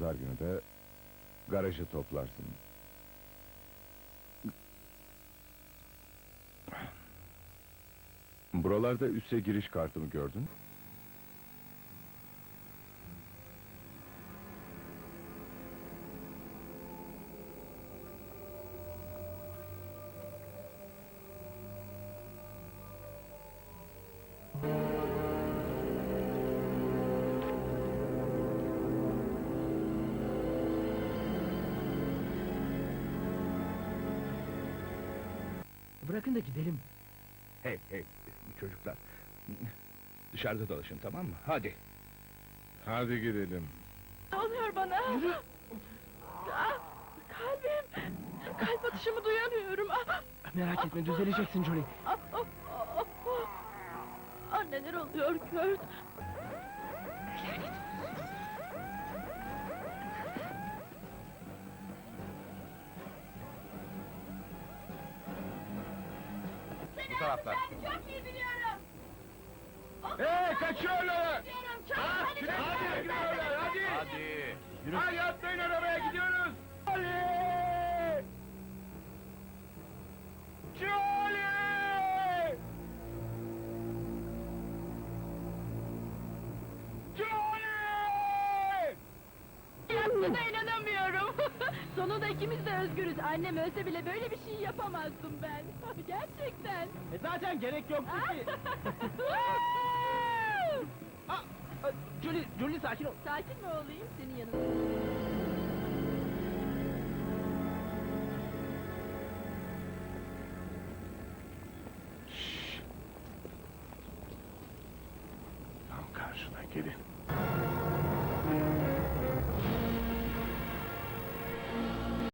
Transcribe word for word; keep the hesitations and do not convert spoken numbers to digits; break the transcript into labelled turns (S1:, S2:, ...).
S1: pazar günü de garajı toplarsın. Buralarda üsse giriş kartımı gördün.
S2: Bırakın da gidelim.
S3: Hey hey çocuklar. Dışarıda dolaşın, tamam mı? Hadi.
S1: Hadi gidelim.
S4: Ne oluyor bana?
S2: Yürü.
S4: Ah, kalbim! Kalp atışımı duyamıyorum. Ah,
S2: Merak etme, düzeleceksin Johnny.
S4: ah, ah, ah, ah. Ah, neler oluyor Kurt?
S3: Bu taraftan.
S4: Ben çok iyi biliyorum.
S3: Hey, kaçıyorlar!
S4: Biliyorum, çok
S3: Hadi,
S4: iyi
S3: hadi,
S4: biliyorum.
S3: gidiyorlar, hadi!
S1: Hadi.
S3: Yürü! Hadi atlayın arabaya, gidiyoruz! Charlie! Charlie! Charlie!
S4: Yaptığına inanamıyorum. Sonunda ikimiz de özgürüz. Annem ölse bile böyle bir şey yapamazdım ben. Gerçekten.
S2: E zaten gerek yoktu ki. Ah, ah, Johnny, Johnny sakin ol.
S4: Sakin mi olayım senin yanında?
S1: Tam karşına gelin.